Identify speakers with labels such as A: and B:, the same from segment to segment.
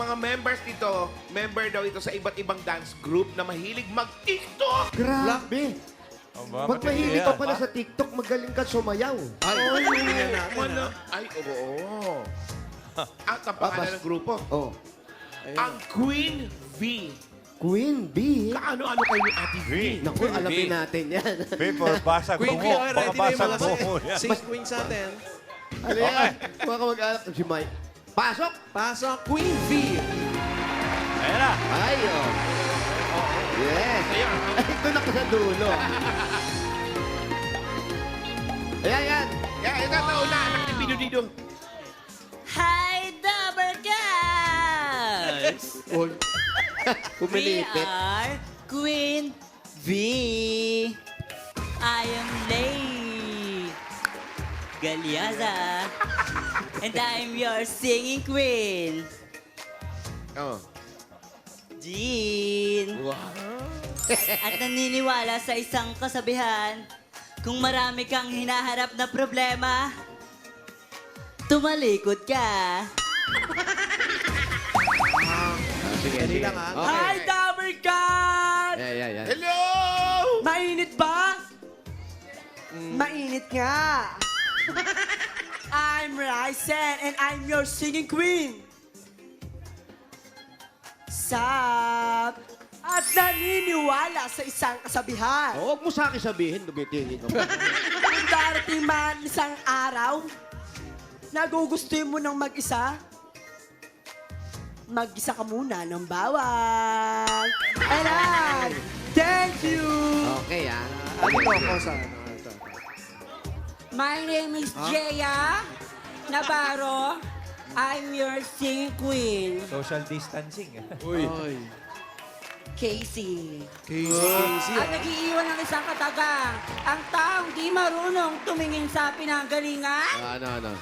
A: mga members dito, member daw ito sa iba't ibang dance group na mahilig mag-TikTok.
B: Grabe. Pag mahilig ka pala sa TikTok, magaling ka sumayaw.
A: Ay, ay, oo. At ang pangalan ng grupo,
B: Oh.
A: ang Queen V.
B: Queen B.
A: Kaano-ano kayo ni Ate V?
B: Naku, alamin natin yan.
C: People, basag
D: Queen
C: tungo.
D: Bee,
C: Baka
D: ready na yung
C: basag
D: mga
C: tungo yan.
D: six queens natin.
B: Ano yan? Mga kamag-anak si Mike. Pasok!
D: Pasok, Queen V.
C: Ayan na.
B: Ay, oh. Yes.
A: Ayan.
B: Ay, ito na ka sa dulo. Ayan, yan.
A: Kaya ito na una, anak ni Pido Dido.
E: Hi, Double Guys!
B: Uy.
E: We
B: Pumilipit.
E: are Queen V. I am Lay Galyaza. And I'm your singing queen,
A: Oh.
E: Jean.
A: Wow.
E: At naniniwala sa isang kasabihan, kung marami kang hinaharap na problema, tumalikod ka.
B: Sige,
D: Dali
B: sige.
D: lang, ha?
B: Okay.
E: Hi, Double Guys!
B: Ayan, ayan, ayan.
A: Hello!
E: Mainit ba? Mainit nga. I'm Ryzen and I'm your singing queen. Sab! At naniniwala sa isang kasabihan.
B: Oh, huwag mo sa akin sabihin, dumitingin ka.
E: Kung darating man isang araw, nagugustuhin mo ng mag-isa, mag-isa ka muna ng bawang. Ayan! Thank you!
B: Okay, ah.
D: Ano to ako sa ano? Ito.
F: My name is Jeya Navarro. I'm your singing queen.
C: Social distancing.
D: Uy.
F: Casey.
D: Casey,
F: At nag-iiwan ng isang katagang. Ang taong di marunong tumingin sa pinanggalingan.
B: Ano.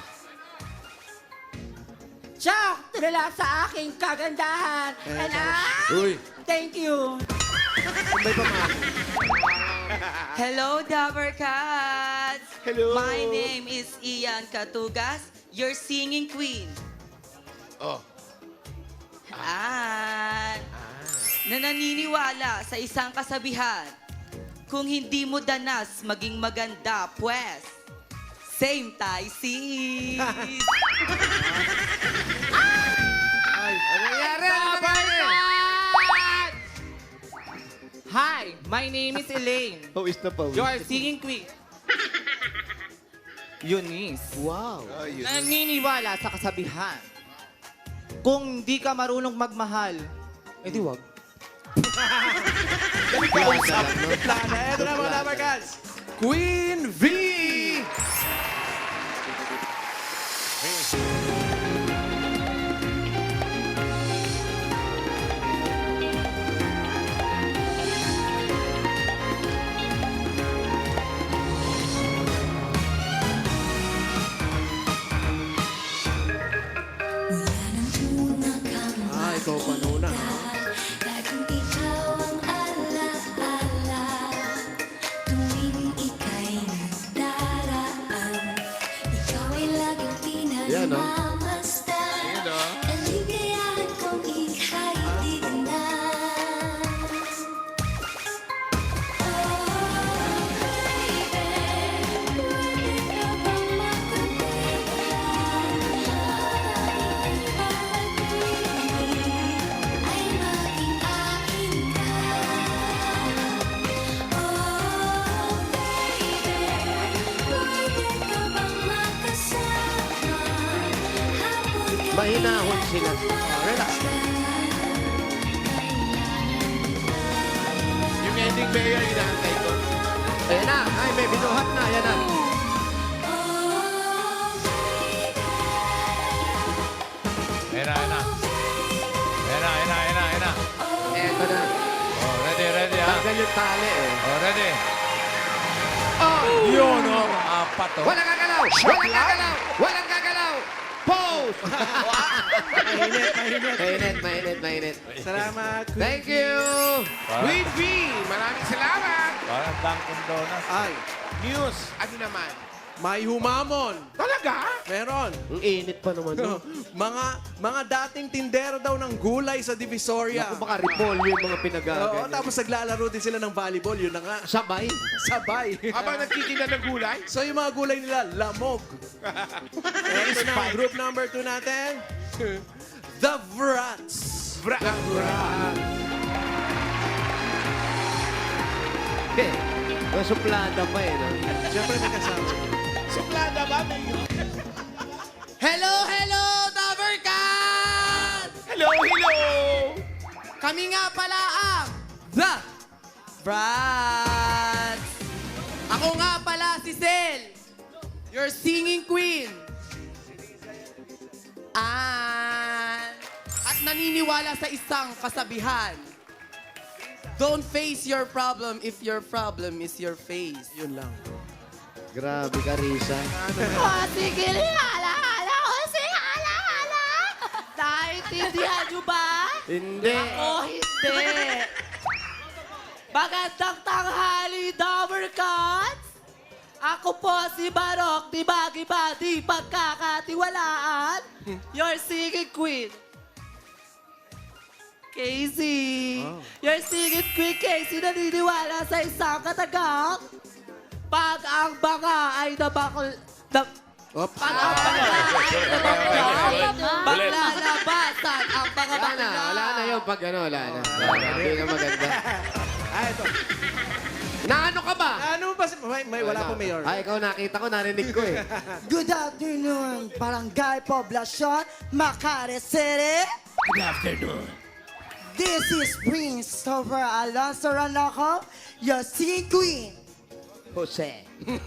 F: Siya, tulala sa aking kagandahan. And
D: Uy.
F: thank you.
D: May pamahal.
G: Hello, Dabber Cats!
A: Hello.
G: My name is Ian Katugas, your singing queen.
A: Oh.
G: Na naniniwala sa isang kasabihan, kung hindi mo danas maging maganda, pues, same tayo, sis!
B: Ano nangyari? Ano nangyari?
H: Hi, my name is Elaine.
B: Pawis na pawis.
H: Your singing queen. Eunice.
B: Wow.
H: Naniniwala sa kasabihan. Kung di ka marunong magmahal, edi wag.
D: Plana. Ito na mga Dabber Cats. Queen V. Ikaw pa nuna.
I: Laging ikaw ang alaala tuwing ika'y nagdaraan. Ikaw ay laging
B: Yan, no?
I: pinagmamasdan.
A: Yan, no?
I: Aligayahan kong ika'y tignan. Oh, baby, pwede ka bang magkatigan? Ay maging akin ka. Oh, baby, pwede ka bang makasama? Hapon ka
B: Mahinahon sila.
D: Relax.
A: Yung ending mayor, inaantay ko.
B: Ayan na. Ay, may binuhat na. Ayan na.
C: Ayan na, ayan na. Ayan na, ayan na, ayan na, ayan na.
B: Eto na.
C: Oh, ready, ready, ha?
B: Tanggal yung tali, eh.
C: Oh, ready.
B: Oh!
C: Yun, oh. Apat, oh.
B: Walang gagalaw! Walang gagalaw! Walang gagalaw! Pose! Mainit.
D: Salamat, Queen
B: Thank
D: V.
B: you!
A: Queen V, maraming salamat.
C: Parang Dunkin' Donuts.
D: Ay,
A: News, ano naman?
D: May humamon.
A: Talaga?
D: Meron.
B: Ang init pa naman. No?
D: mga dating tindero daw ng gulay sa Divisoria.
B: Ako baka repolyo yung mga
D: Oo,
B: pinagagan.
D: tapos naglalaro din sila ng volleyball. Yun na nga.
B: Sabay.
D: Sabay.
A: Habang nagtitinda ng gulay?
D: So yung mga gulay nila, lamog. Ito na, group number 2 natin. The Vrats.
B: Eh, may suplada pa eh. No?
D: Siyempre may kasama.
A: Suplada ba?
H: Hello, hello, Davercat!
A: Hello, hello!
H: Kami nga pala ang The Brats! Ako nga pala si Sel, your singing queen. At naniniwala sa isang kasabihan. Don't face your problem if your problem is your face.
D: Yun lang.
B: Grabe ka, Risa.
F: Oh, sige, hala. Naintindihan nyo ba?
B: Hindi.
F: O hindi. Magandang tanghali, Davercats! Ako po si Barok, di ba di pagkakatiwalaan? Your singing queen. Casey. Your singing queen, Casey, naniniwala sa isang katagang. Pag ang banga ay nabakol... Pag ang banga ay nabakol, maglalabasan ang mga
B: Wala na.
F: bakla.
B: Wala na yun. Pag ano, wala na. Hindi na maganda.
D: Ito.
B: Naano ka ba?
D: Ano ba? Wala po, Mayor.
B: Ay, ikaw nakita ko, narinig ko eh.
F: Good afternoon, Barangay Poblacion, Makati City.
A: Good afternoon.
F: This is Prince Christopher Alonso Ranoco, your singing queen.
B: Jose.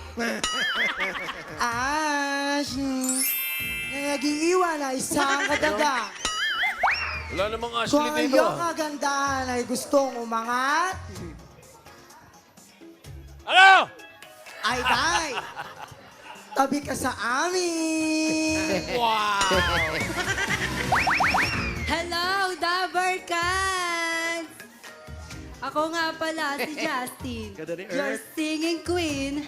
F: Nag-iiwan na isang kadaga.
C: Wala namang
F: Kung
C: Ashley
F: ang
C: dito.
F: iyong kagandahan ay gustong umangat,
C: Ano?
F: ay day, tabi ka sa amin.
G: Hello, Dabarkans! Ako nga pala si Justin,
D: Ganda ni
G: your
D: Earth.
G: singing queen.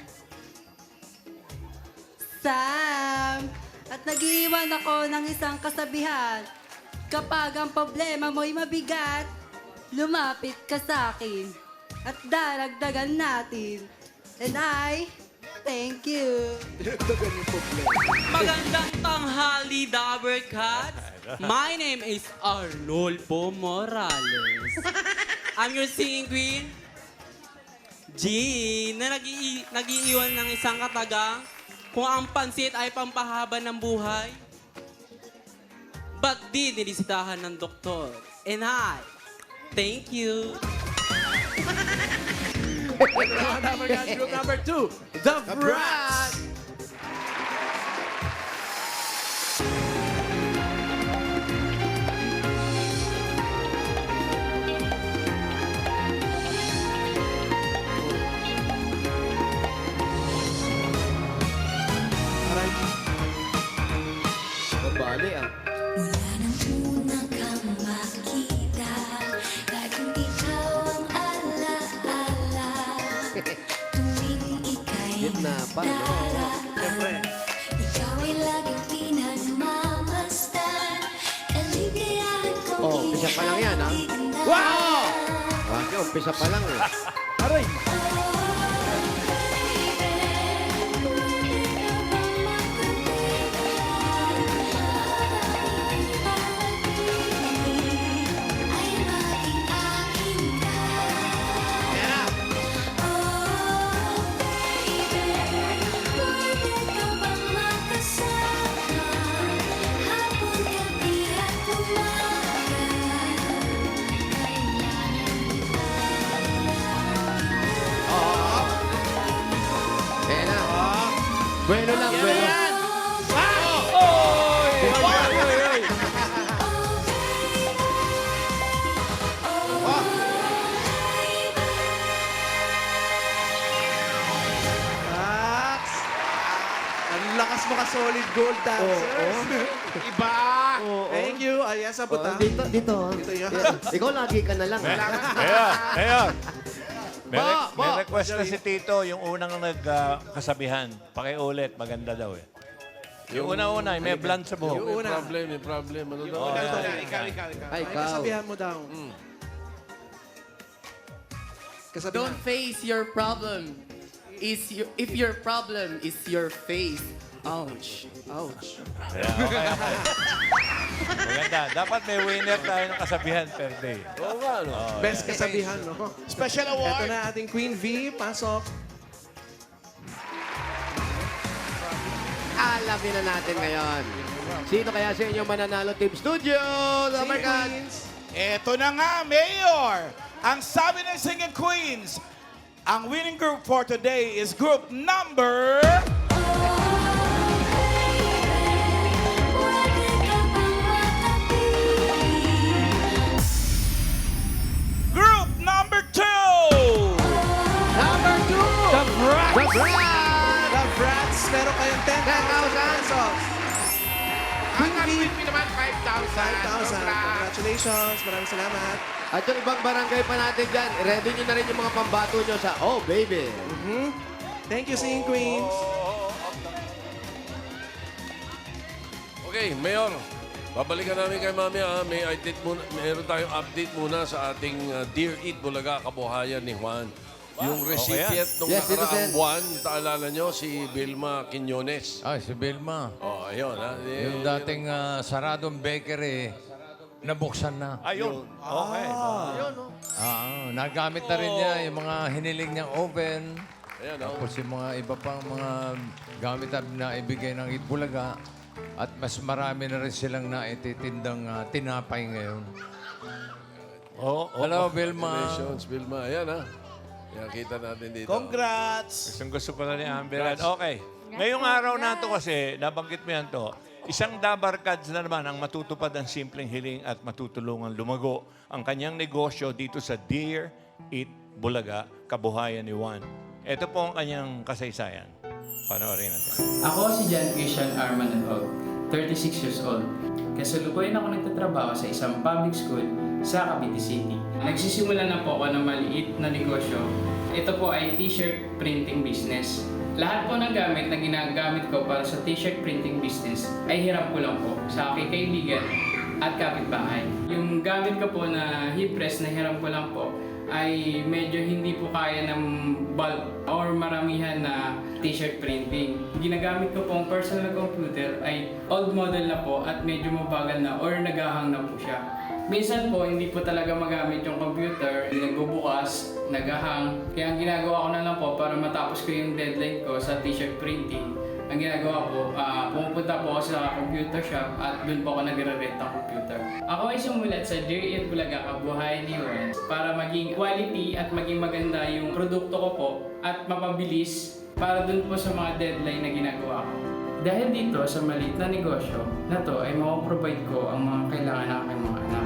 G: Sam! At nag-iwan ako ng isang kasabihan. Kapag ang problema mo'y mabigat, lumapit ka sa akin at daragdagan natin. And I thank you.
J: Magandang tanghali, Dabarcats. My name is Arnolfo Morales. I'm your singing queen, Jean, na nag-iiwan ng isang katagang kung ang pansit ay pampahaba ng buhay. Ba't di nilisitahan ng doktor? And I, thank you.
D: Group number 2, The Brats.
B: Mabali ah.
I: Mula nang una kang makita, laging ikaw ang alaala. Tuwing ika'y
B: Gitna pa, no?
I: nadaraan, ikaw ay laging pinagmamasdan. Kaligayahan kong
B: Oh, umpisa pa lang yan, ah.
I: itindahan.
B: Wow! Wag umpisa pa lang eh.
D: Aray!
I: Ay maging akin ka. Oh, baby, pwede ka bang makasama? Hapon, gabi at umaga.
B: Ayan na. Bueno lang, bueno.
D: Max! Ang lakas mo ka-solid gold dancers.
A: Iba!
D: Thank you. Ay, yes, abot
B: Oh,
D: ah.
B: dito.
D: Dito yan.
B: Ikaw lagi ka na lang. ah.
C: Ayan, ayan. May request na si Tito, yung unang nagkasabihan. Pakiulit, maganda daw eh. Yung una-una, may blonde sa buhok.
D: Yung una.
A: Ano daw? Ikaw.
B: Ay,
D: Ay,
B: ikaw.
D: kasabihan mo daw. Kasabihan.
H: Don't face your problem. If your problem is your face. Ouch.
D: Ouch.
C: Yeah, okay. Maganda. Dapat may winner tayo ng kasabihan per day.
A: Oo nga, no?
D: Best kasabihan, no?
A: Special
D: Ito
A: award.
D: na ating Queen V. Pasok.
B: Alamin na natin ngayon. Sino kaya sa inyong mananalo Team Studio? Number Queens.
K: Eto na nga, Mayor! Ang sabi ng Singing Queens, ang winning group for today is group number... Group number 2!
B: Number 2! The Brats!
D: The Brats, meron kayong 10,000 pesos.
A: Ang Queen V naman, 5,000.
D: 5,000. Congratulations. Maraming salamat.
B: At yung ibang barangay pa natin dyan, ready nyo na rin yung mga pambato nyo sa Oh Baby.
D: Thank you, Singing Queens.
A: Okay, Mayor. Babalikan namin kay Mami. Meron tayong update muna sa ating Dear Eat Bulaga Kabuhayan ni Juan. Yung recipient nung
B: Yes, Tito
A: nakaraang
B: Sen.
A: buwan, naalala nyo, si Vilma Quiñones.
C: Ay, si Vilma.
A: Oh, ayun. Ha?
C: Yung dating saradong bakery, nabuksan na.
A: Ayun.
C: Okay. Nagamit na rin niya yung mga hiniling niyang oven.
A: Ayan, oh.
C: Tapos yung mga iba pang mga gamit na ibigay ng Itbulaga. At mas marami na rin silang naititindang tinapay ngayon. Hello, Vilma.
A: Congratulations, Vilma. Ayan, ha? Yan, kita natin dito.
K: Congrats!
C: Gusto ko na ni Amber. Okay. Ngayong araw na to kasi, nabanggit mo yan to, isang dabarkads na naman ang matutupad ang simpleng hiling at matutulungan lumago ang kanyang negosyo dito sa Dear Eat Bulaga, Kabuhayan ni Juan. Ito po ang kanyang kasaysayan. Panoorin natin.
L: Ako si John Christian Armanagog, 36 years old. Kasalukuyan ako nagtatrabaho sa isang public school sa Cavite City. Nagsisimula na po ako ng maliit na negosyo. Ito po ay t-shirt printing business. Lahat po ng gamit na ginagamit ko para sa t-shirt printing business ay hiram ko lang po sa aking kaibigan at kapitbahay. Yung gamit ko po na heat press na hiram ko lang po ay medyo hindi po kaya ng bulk or maramihan na t-shirt printing. Ginagamit ko pong personal computer ay old model na po at medyo mabagal na or nagahang na po siya. Minsan po, hindi po talaga magamit yung computer, nagbubukas, nagahang. Kaya ang ginagawa ko na lang po para matapos ko yung deadline ko sa t-shirt printing, ang ginagawa ko, pumupunta po ako sa computer shop at doon po ako nagre-rent ng computer. Ako ay sumulat sa Dear Eat Bulaga Kabuhayan ni Juan para maging quality at maging maganda yung produkto ko po at mapabilis para doon po sa mga deadline na ginagawa ko. Dahil dito sa maliit na negosyo na to ay mapaprovide ko ang mga kailangan ng aking mga anak.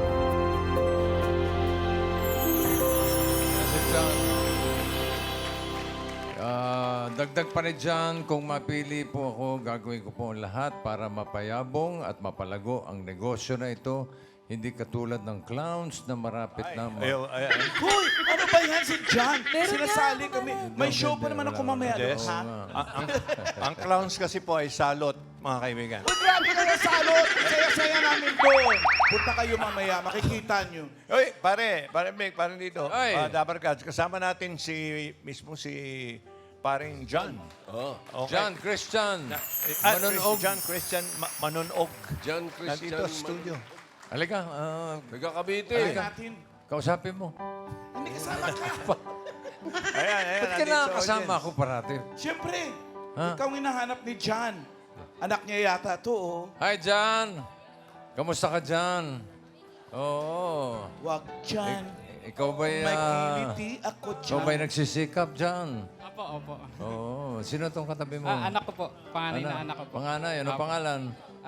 C: Dagdag pa rin dyan, kung mapili po ako, gagawin ko po ang lahat para mapayabong at mapalago ang negosyo na ito. Hindi katulad ng clowns na marapit na...
K: Hoy! Ano ba yan si John? Sinasali kami. May show pa naman ako mamaya.
C: Yes.
K: Ha?
C: Ang clowns kasi po ay salot, mga kaibigan.
K: Uy, grabe ka na salot! Saya-saya namin doon. Punta kayo mamaya, makikita nyo.
C: Oy, pare Mick, pare dito.
D: Ay.
C: Dabarkads, kasama natin si paring John.
A: Oh.
C: Okay.
A: John Christian.
C: Manunog. John Christian Manunog.
A: John Christian.
C: Nandito sa studio. Halika.
A: Taga Cavite.
K: Natin.
C: Kausapin mo.
K: Hindi kasama ka.
C: Ayan. Ba't ka nakakasama ako parati?
K: Siyempre,
C: Ha?
K: ikaw ang hinahanap ni John. Anak niya yata to, oh.
C: Hi, John. Kamusta ka, John? Oo.
K: Wag, John.
C: Ikaw ba'y...
K: May kiliti ako,
C: ikaw
K: John.
C: ba'y nagsisikap, John?
L: Opo.
C: Oo. Sino tong katabi mo?
L: Anak ko po. Panganay na anak ko po.
C: Panganay. Ano pangalan?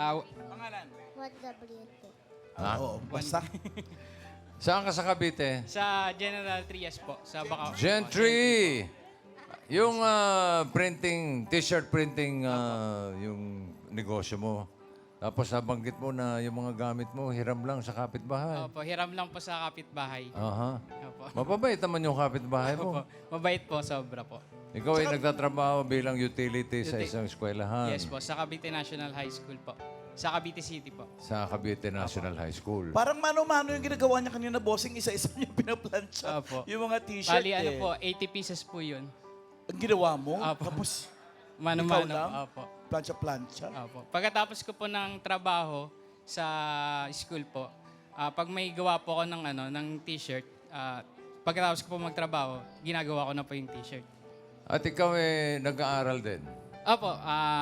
K: Oo, basta.
C: Saan ka sa Cavite?
L: Sa General Trias po. Sa Bacau.
C: Gentry! Yung printing, t-shirt printing, yung negosyo mo,
M: Tapos nabanggit mo na yung mga gamit mo, hiram lang sa kapitbahay.
L: Opo, hiram lang po sa kapitbahay.
M: Aha.
L: Opo.
M: Mapabait naman yung kapitbahay mo.
L: Opo. Mabait po, sobra po.
M: Ikaw ay nagtatrabaho bilang utility sa isang eskwelahan.
L: Yes po, sa Cavite National High School po. Sa Cavite City po.
M: Sa Cavite National High School.
K: Parang mano-mano yung ginagawa niya kanina, bossing. Isa-isa niya pinaplansya.
L: Opo.
K: Yung mga t-shirt
L: Bali, ano po, 80 pieces po yun.
K: Ang ginawa mo?
L: Opo.
K: Tapos,
L: Mano-mano
K: ikaw lang?
L: po. Opo.
K: Plansya-plansya?
L: Opo. Pagkatapos ko po ng trabaho sa school po, pag may gawa po ako ng, ng t-shirt, pagkatapos ko po magtrabaho, ginagawa ko na po yung t-shirt.
M: At ikaw ay nag-aaral din.
L: Opo,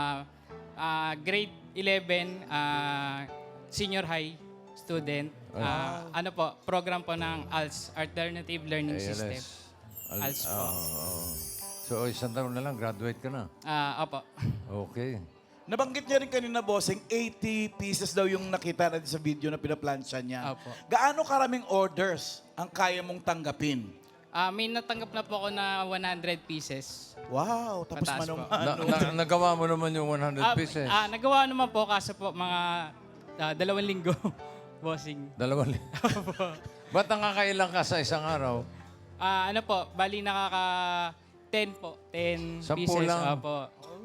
L: grade 11, senior high student. Ano po, program po ng ALS, Alternative Learning System. ALS po.
M: So, isang taon na lang, graduate ka na.
L: Opo.
M: Okay.
K: Nabanggit niya rin kanina, bossing, 80 pieces daw yung nakita natin sa video na pinaplansya niya.
L: Opo.
K: Gaano karaming orders ang kaya mong tanggapin?
L: May natanggap na po ako na 100 pieces.
K: Wow, tapos
L: Mataas po.
K: manong-mano.
M: Nagawa mo naman yung 100 pieces.
L: Nagawa naman po kaso po mga 2 linggo. Bossing.
M: 2 Ba't nakakailang ka sa isang araw?
L: Ano po, bali nakaka 10 po. 10
M: 10
L: pieces.
M: lang.
L: Opo.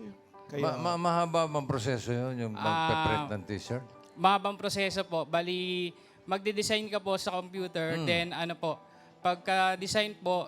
M: Mahaba bang proseso yun, yung magpe-print ng t-shirt?
L: Mahabang proseso po. Bali, magde-design ka po sa computer. Then ano po, pagka-design po,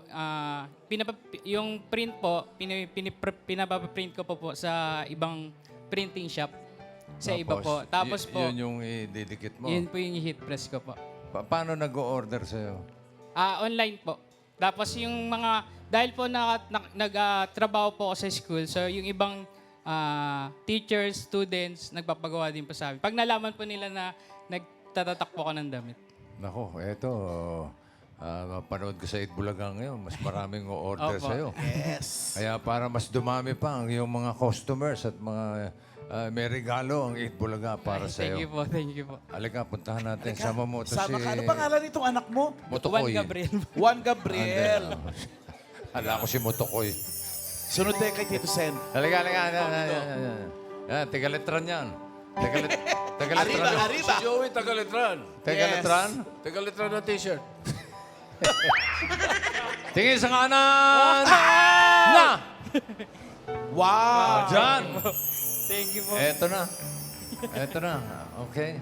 L: yung print po, pinapaprint ko po sa ibang printing shop. Sa iba po. Tapos po,
M: Yun yung ididikit mo.
L: yun po yung heat press ko po.
M: Paano nag-o-order sa'yo?
L: Online po. Tapos yung mga, dahil po nagtrabaho po ako sa school, so yung ibang teachers, students, nagpapagawa din po sa amin. Pag nalaman po nila na nagtatatak po ako ng damit.
M: Nako, eto, mapanood ko sa Itbulaga ngayon, mas maraming o-order
L: Opo.
M: sa'yo.
K: Yes.
M: Kaya para mas dumami pa ang iyong mga customers at mga may regalo ang Itbulaga para
L: Thank you
M: sa'yo.
L: po, thank you po.
M: Halika, puntahan natin. Sama mo ito
K: Sama
M: si
K: ka. Ano pangalan nitong anak mo?
M: Motokoy.
L: Juan Gabriel.
K: Juan Gabriel.
M: Hala ko si Motokoy.
K: Sunod tayo kay Tito Sen.
M: Halika. Yan, tigaletran yan. Tigaletran.
K: Arriba.
A: Si Joey Tagaletran.
M: Tigaletran?
A: Tagaletran ng t-shirt.
M: Tingin sa kanan! Na!
K: Wow.
M: Diyan!
L: Thank you po.
M: Eto na. Okay.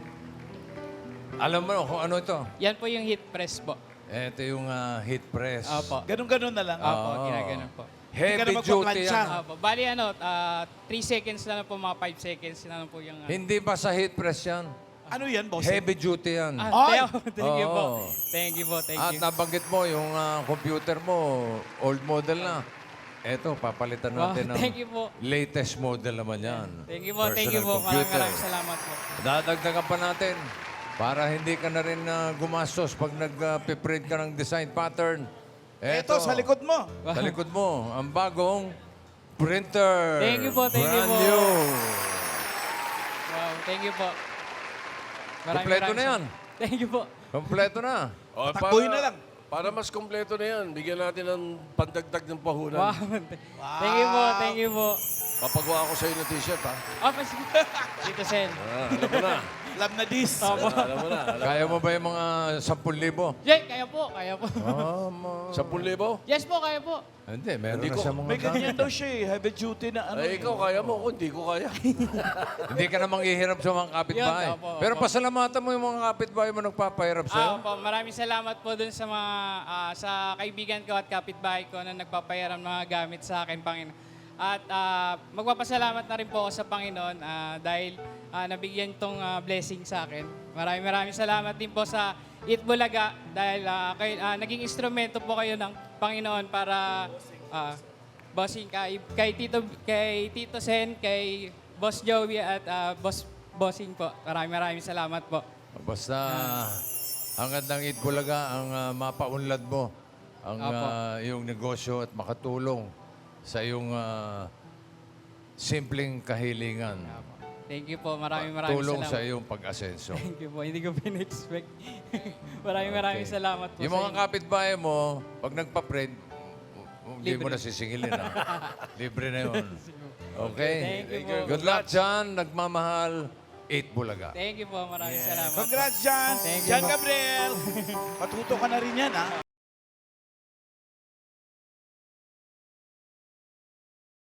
M: Alam mo kung ano ito?
L: Yan po yung heat press po.
M: Ito yung heat press.
L: Opo.
K: Ganun-ganun na lang.
L: Opo, ginaganon po.
M: Heavy
K: Hindi ka na
M: duty
K: magpaplansya.
M: yan.
L: Opo. Bali 3 seconds na lang po, mga 5 seconds na lang po yung...
M: Hindi ba sa heat press yan?
K: Ano yan, boss?
M: Heavy duty yan.
L: Thank you po.
M: Oo.
L: Thank you po, thank
M: At
L: you.
M: nabanggit mo yung computer mo, old model na. Eto, papalitan
L: Wow,
M: natin ng
L: thank you po.
M: latest model naman yan.
L: Thank you po, thank you
M: Personal
L: po.
M: computer.
L: Maraming salamat po.
M: Dadagdagan pa natin para hindi ka na rin gumastos pag nag-print ka ng design pattern.
K: Ito, sa likod mo.
M: Sa likod mo, ang bagong printer.
L: Thank you po, thank you
M: Brand
L: po.
M: new.
L: Wow, thank you po.
M: Kompleto na yan.
L: Thank you po.
M: Kompleto na.
A: O,
K: Takbuhin na lang.
A: Para mas kompleto na yan, bigyan natin ng pandagdag ng pahunan.
L: Wow. Thank you po, thank you po.
A: Papagawa ko sa'yo ng t-shirt, ha?
L: Sige. Tito Sen.
A: Alam mo na.
K: Alam na this.
A: Alam mo na.
M: Kaya mo ba yung mga 10,000?
L: Jay, kaya po, kaya po.
A: 10,000?
L: Yes po, kaya po.
M: Hindi, meron
A: Hindi
M: na
A: ko-
M: siya mga
K: May ganyan
M: gamit.
K: daw siya eh. Heavy duty na ano.
A: Ay, ikaw kaya mo. Ako, hindi ko kaya.
M: Hindi ka namang ihirap sa mga kapitbahay.
L: Yun, opo,
M: Pero
L: opo.
M: pasalamatan mo yung mga kapitbahay mo nagpapahirap sa'yo.
L: Opo, maraming salamat po dun sa mga sa kaibigan ko at kapitbahay ko na nagpapayaram ng mga gamit sa akin, Panginoon. At magpapasalamat na rin po ako sa Panginoon dahil nabigyan tong blessing sa akin. Maraming salamat din po sa Itbulaga dahil naging instrumento po kayo ng Panginoon para bossing kay Tito Sen, kay Boss Joey at Bossing po. Maraming salamat po.
M: Basta hangad ng Itbulaga ang mapaunlad mo ang iyong negosyo at makatulong sa iyong simpleng kahilingan.
L: Thank you po. Maraming
M: Tulong
L: salamat.
M: sa iyong pag-asenso.
L: Thank you po. Hindi ko pin-expect. maraming salamat po
M: Yung
L: sa
M: mga
L: inyo.
M: kapitbahay mo, pag nagpa-print, hindi mo na sisingilin. Libre na yun. Okay?
L: Thank you po.
M: Good luck dyan, nagmamahal. Eat Bulaga.
L: Thank you po. Maraming salamat.
K: Congrats, John.
L: Thank you
K: John
L: po.
K: Gabriel. Matuto ka na rin yan, ha?